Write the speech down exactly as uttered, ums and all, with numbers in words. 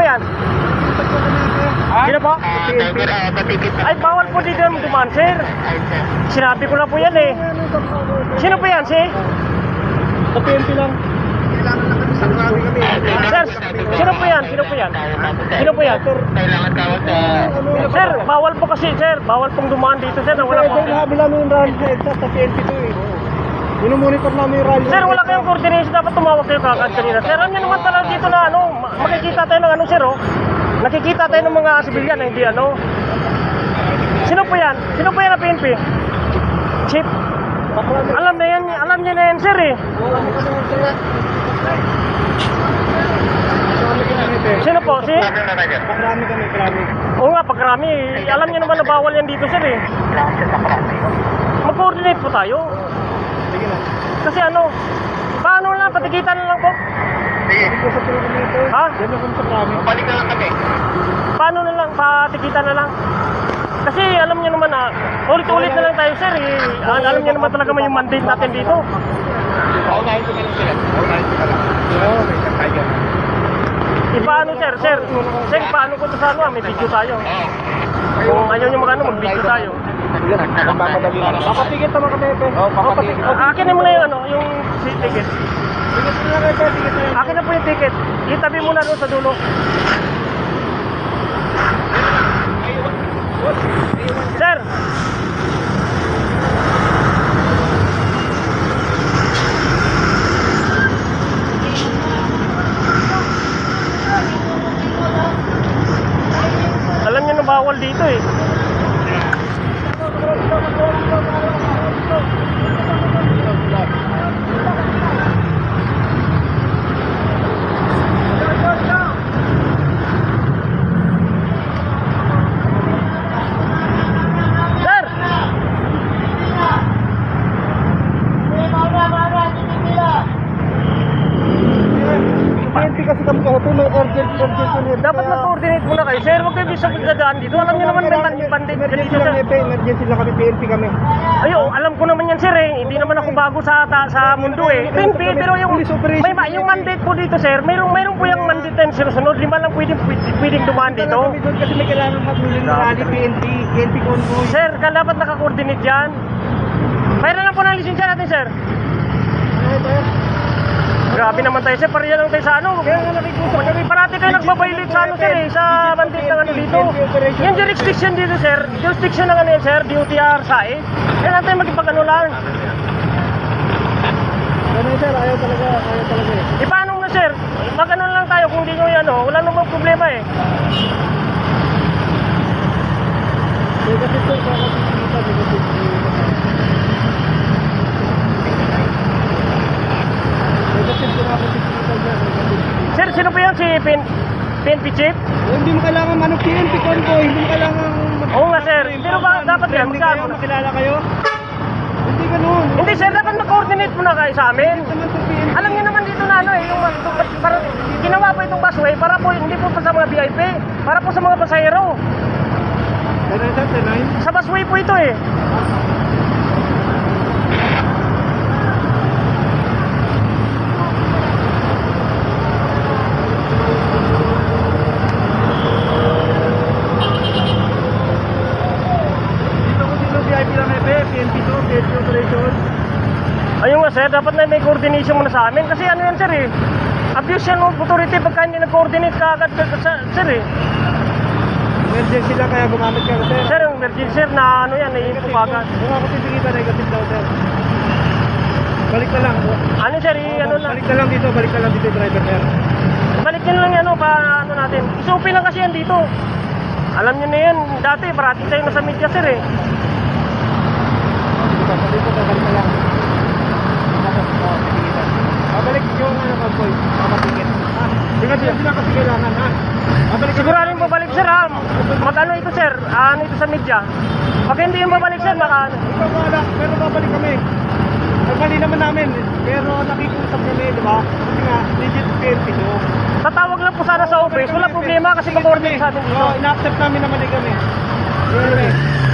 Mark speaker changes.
Speaker 1: yan? Sino po? Ay, bawal po dito yung dumaan, sir. Sinabi ko na po yan eh. Sino po yan, si?
Speaker 2: Sa P N P lang.
Speaker 1: Sir, sino po yan? Sino po yan? Sino po yan?
Speaker 3: Kailangan tawag sa...
Speaker 1: Sir, bawal po kasi, sir. Bawal pong dumaan dito, sir. Na wala po.
Speaker 2: Ito, nahabi namin yung rally sa EDSA sa P N P to eh. Minumonitor namin yung rally.
Speaker 1: Sir, wala kayong coordination. Dapat tumawag kayo kagad kanina. Sir, ano naman talaga dito na ano, ma- makikita tayo ng ano, sir, oh. Nakikita tayo ng mga sibilyan na hindi ano. Sino po yan? Sino po yan na P N P? Chief? Alam na yan, alam niya na yan, sir, eh. Sino po? Si?
Speaker 2: Pakrami kami, pakrami.
Speaker 1: Oo nga, pagkarami. Alam niyo naman na bawal yan dito, sir, eh. Mag-coordinate po tayo.
Speaker 2: Sige na.
Speaker 1: Kasi ano, paano lang, patikitan na lang po.
Speaker 2: Hindi ko sa kilometer.
Speaker 1: Ha?
Speaker 2: Yan ako sa pakrami.
Speaker 3: Balik na lang kami.
Speaker 1: Paano na lang, patikitan na lang. Kasi alam niyo naman na, ulit-ulit na lang tayo, sir, eh. Al- Alam niyo naman talaga may yung mandate natin dito.
Speaker 3: Paunahin ko na lang sila. Paunahin ko na lang.
Speaker 2: Oo, may kakayan.
Speaker 1: Ipaano, sir, sir? Sir, paano ko ito sa ano, ah, may video tayo. Kung ayaw niyo magano, mag-video tayo.
Speaker 3: Papadali na lang.
Speaker 2: Papapigit naman kami, Epe.
Speaker 3: Oo, papapigit.
Speaker 1: Akin mo na yung ano, yung si- ticket.
Speaker 2: Pigit na lang, Epe. Pigit na lang.
Speaker 1: Akin na po yung ticket. Itabi mo na doon sa dulo. Sir! Alam niyo na bawal dito eh. Sir!
Speaker 2: P N P kasi kami kahapon, may urgent, urgent yun. eh.
Speaker 1: Dapat mag-coordinate muna kayo, sir. Huwag kayo bisa magdadaan dito. Alam niyo naman may man- bandit ka
Speaker 2: Emergency
Speaker 1: dito,
Speaker 2: lang,
Speaker 1: sir.
Speaker 2: Epe. Emergency lang kami, P N P kami.
Speaker 1: Ayo, alam ko naman yan, sir, eh. Hindi naman ako bago sa ta, sa mundo, eh. P N P, pero yung may ma- yung mandate po dito, sir. Mayroong mayroong po yung mandate na sinusunod. Lima lang pwedeng pwedeng, pwedeng dumaan dito.
Speaker 2: Kami doon kasi may kailangan magmulin ng rally, P N P, P N P convoy.
Speaker 1: Sir, ka dapat naka-coordinate yan. Mayroon lang po ng lisensya natin, sir.
Speaker 2: Ano ito?
Speaker 1: Grabe naman tayo, sir. Pariya lang tayo sa ano.
Speaker 2: Kaya nga nakikusap kami.
Speaker 1: Parati kayo nagbabaylate sa ano, sir, eh. Sa mandate ng ano dito. Yung jurisdiction dito, sir. Jurisdiction ng ano yan, sir. D O T R sa eh. Kaya natin magipag-ano lang.
Speaker 2: Ganun sir, ayaw talaga, ayaw talaga eh.
Speaker 1: E paano na, sir? Mag-ano lang tayo kung di nyo yan, oh. Wala namang problema, eh.
Speaker 2: Kaya kasi sir, baka kita, baka kita. Negative ko na ako kita dyan, negative.
Speaker 1: Sir, sino po yan? Si P N P Chief?
Speaker 2: Eh, Hindi mo kailangan ano, P N P convoy, hindi mo kailangan...
Speaker 1: Oo nga, sir. Pero ba, dapat yan,
Speaker 2: Friendly
Speaker 1: magkano?
Speaker 2: kayo, makilala kayo? Hindi ganun.
Speaker 1: Hindi, sir. Dapat mag-coordinate muna kayo sa amin.
Speaker 2: Naman sa P N P.
Speaker 1: Alam niyo naman dito na ano, eh. Yung, para, ginawa po itong busway para po, hindi po pa sa mga V I P. Para po sa mga pasahero.
Speaker 2: Ganun sir, tenay.
Speaker 1: Sa busway po ito, eh.
Speaker 2: Dito ko dito, V I P lang Epe, P N P to, P N P operation.
Speaker 1: Ayun nga, sir. Dapat na may coordination muna sa amin. Kasi ano yan, sir, eh. Abuse yan ng authority pagka hindi nag-coordinate ka agad, sa- sir, eh.
Speaker 2: Emergency lang kaya gumamit ka sir.
Speaker 1: Sir, yung emergency, sir, na ano yan, eh, ipapagan.
Speaker 2: Kung ako titigitan, negative daw sir. Balik na lang.
Speaker 1: Ano, sir, eh, ano lang.
Speaker 2: Balik na lang dito, balik na lang dito driver sir.
Speaker 1: Balik nyo lang yan, ano, pa, ano natin. Isupin lang kasi yan dito. Alam nyo na yan, dati, parati tayo nasa media, sir, eh.
Speaker 2: Dito, sa dito, balik na lang. Oo, titigitan. Babalik yung ano convoy, mamatigit. Ha? Hindi kasi hindi lang kasi kailangan ha. Babalik
Speaker 1: Sigurarin babalik, sir, ha. Mag-ano ito, sir, ah, ano ito sa media. Pag hindi yung babalik, sir, baka,
Speaker 2: Ikaw wala, pero babalik kami. Ay, mali naman namin, pero nakikusap kami, di ba? Kasi nga, legit P N P to.
Speaker 1: tatawag lang po sana sa office. Wala problema kasi mag-coordinate sa atin dito.
Speaker 2: Oo, ina-accept namin naman din kami. Anyway,